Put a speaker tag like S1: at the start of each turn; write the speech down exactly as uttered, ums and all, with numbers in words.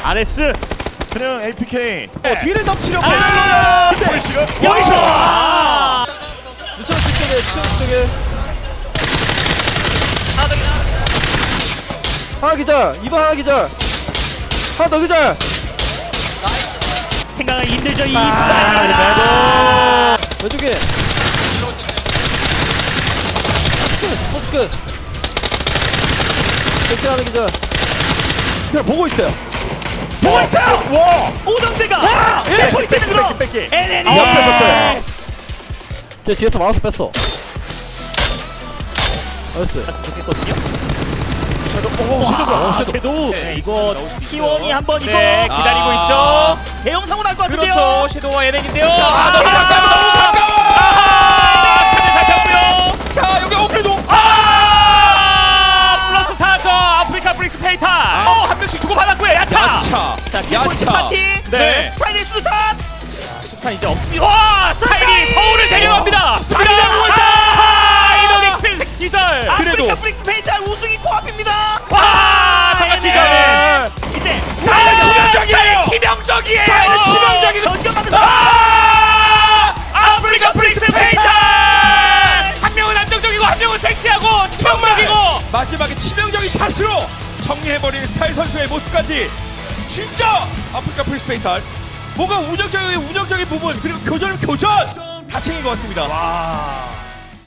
S1: 아레스
S2: 그냥 에이피케이.
S3: 어, 뒤를 덮치려고.
S2: 아, 보이시죠?
S1: 여기서 아!
S4: 루션 뒤쪽에 루션 뒤쪽에 하나 기절 이번 하나 기절 하나 더 기절
S1: 생각하기 힘들죠 이
S4: 아, 왼쪽에 포스크 포스크 하나 기절
S3: 그냥 보고 있어요.
S2: 보고 있어요. 와.
S1: 오정재가
S2: 예.
S1: 네, 포인트
S2: 뺏기,
S1: 들어
S2: 뺏기, 뺏기.
S1: 에렌이
S2: 아, 옆에 섰어요.
S4: 제 뒤에서 마우스 뺐어 나이스
S1: 했으면 좋겠거든요.
S2: 오, 섀도우가.
S1: 아,
S2: 섀도우.
S1: 섀도우. 네, 이거 T 원이 한번 이거
S5: 네, 기다리고
S1: 아,
S5: 있죠.
S1: 대형 사고 날 것 같은데요.
S5: 그렇죠. 섀도우와 에렌인데요.
S1: 자,
S5: 아, 너무 가까워, 너무 가까워. 아하! 카드 잡혔고요. 자, 여기 오프리도. 아! 플러스 사 점 아프리카 브릭스 페이탈. 어, 한 명씩 주고 받았고요. 야차.
S2: 야차.
S1: 자, 킬포인트
S5: 야차.
S1: 파티.
S5: 네.
S1: 스파이리 수류탄.
S5: 수탄 이제 없습니다. 와, 스타일이 서울을 데려갑니다.
S1: 자리 잡고 있어요.
S5: 아, 이노닉스 기절.
S1: 아프리카
S5: 그래도
S1: 브릭스 페이탈 우승이 코앞입니다.
S5: 와, 정말 기절.
S1: 이제
S5: 스타일은 치명적이에요. 치명적이에요. 스타일은 치명적이고.
S1: 전격하면서
S5: 아! 아프리카 브릭스 페이탈. 한 명은 안정적이고 한 명은 섹시하고 치명적이고 마지막에 치명적인 샷으로 정리해버리는 스타일 선수의 모습까지 진짜 아프리카 브릭스 페이탈 뭔가 운영적인 운영적인 부분 그리고 교전은 교전 다 챙긴 것 같습니다.
S1: 와.